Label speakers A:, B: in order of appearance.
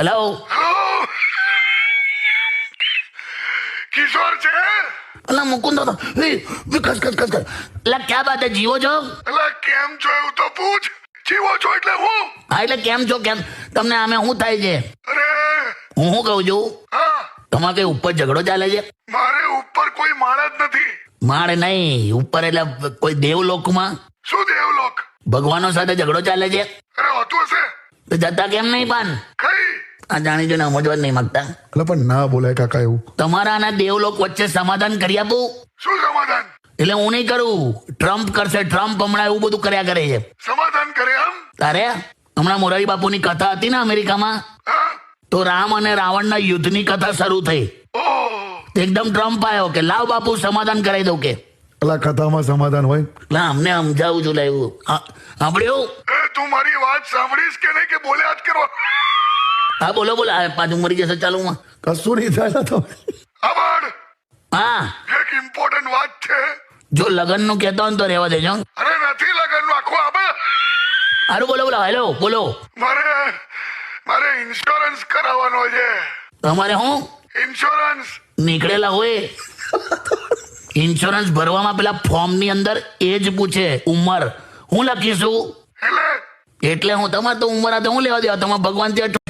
A: Hello
B: hello કિશોર છે?
A: અલા મુકુંદ તો કસ કસ કસ કસ એટલે ક્યાં બાત હે, જીવો છો?
B: એટલે કેમ છો એવું તો પૂછ. જીવો છો એટલે હું?
A: હા એટલે કેમ છો, કેમ તમને આમે શું થાય છે?
B: અરે
A: હું શું કહું છું,
B: હા,
A: તમારે કઈ ઉપર ઝઘડો ચાલે છે?
B: મારે ઉપર કોઈ માળ જ નથી.
A: માળ નહીં, ઉપર એટલે કોઈ દેવલોકમાં
B: શું દેવલોક?
A: ભગવાનો સાથે ઝઘડો ચાલે છે?
B: અરે હોતું હશે.
A: તો જતા કેમ નહીં પાન?
B: કઈ?
A: આ જાણી જોઈને સમજવા જ નહીં માંગતા.
C: એટલે પણ ના બોલાય કાકા એવું.
A: તમારા અને દેવલોક વચ્ચે સમાધાન કરી આપું?
B: શું સમાધાન?
A: એટલે હું નહીં કરું, ટ્રમ્પ કરશે. ટ્રમ્પ હમણાં એવું બધું કર્યા કરે છે.
B: સમાધાન કરે આમ?
A: તારે હમણાં મોરારી બાપુની કથા હતી ને અમેરિકામાં,
B: હા.
A: તો રામ અને રાવણના યુદ્ધની કથા શરૂ થઈ.
B: ઓહ,
A: તો એકદમ ટ્રમ્પ આવ્યો કે લાવ બાપુ સમાધાન કરાવી દઉં કે.
C: એટલે કથામાં સમાધાન હોય.
A: એટલે અમને સમજાવું છું લાવ્યું સાંભળ્યું?
B: એ તું મારી વાત સાંભળીશ કે નહીં કે બોલ્યા જ કરો?
A: હા બોલો બોલો. આ પાછું મરી જશે ચાલુમાં.
C: કશું નહીં થાય તો.
B: આભાર.
A: હા
B: એક ઇમ્પોર્ટન્ટ વાત છે.
A: જો લગ્નનું કહેતો હોય ને તો રહેવા દેજો.
B: અરે નથી લગનનું આખું આબે.
A: સારું બોલો બોલો. હેલો બોલો.
B: મારે ઇન્સ્યોરન્સ કરાવવાનો છે.
A: તમારે હું
B: ઇન્સ્યોરન્સ.
A: નીકળેલા હોય ઇન્સ્યોરન્સ ભરવામાં પેલા ફોર્મની અંદર એજ પૂછે, ઉંમર. હું લખીશું
B: એટલે
A: એટલે હું તમારે તો ઉંમર આ તો હું લેવા દેવા. તમારે ભગવાન ત્યાં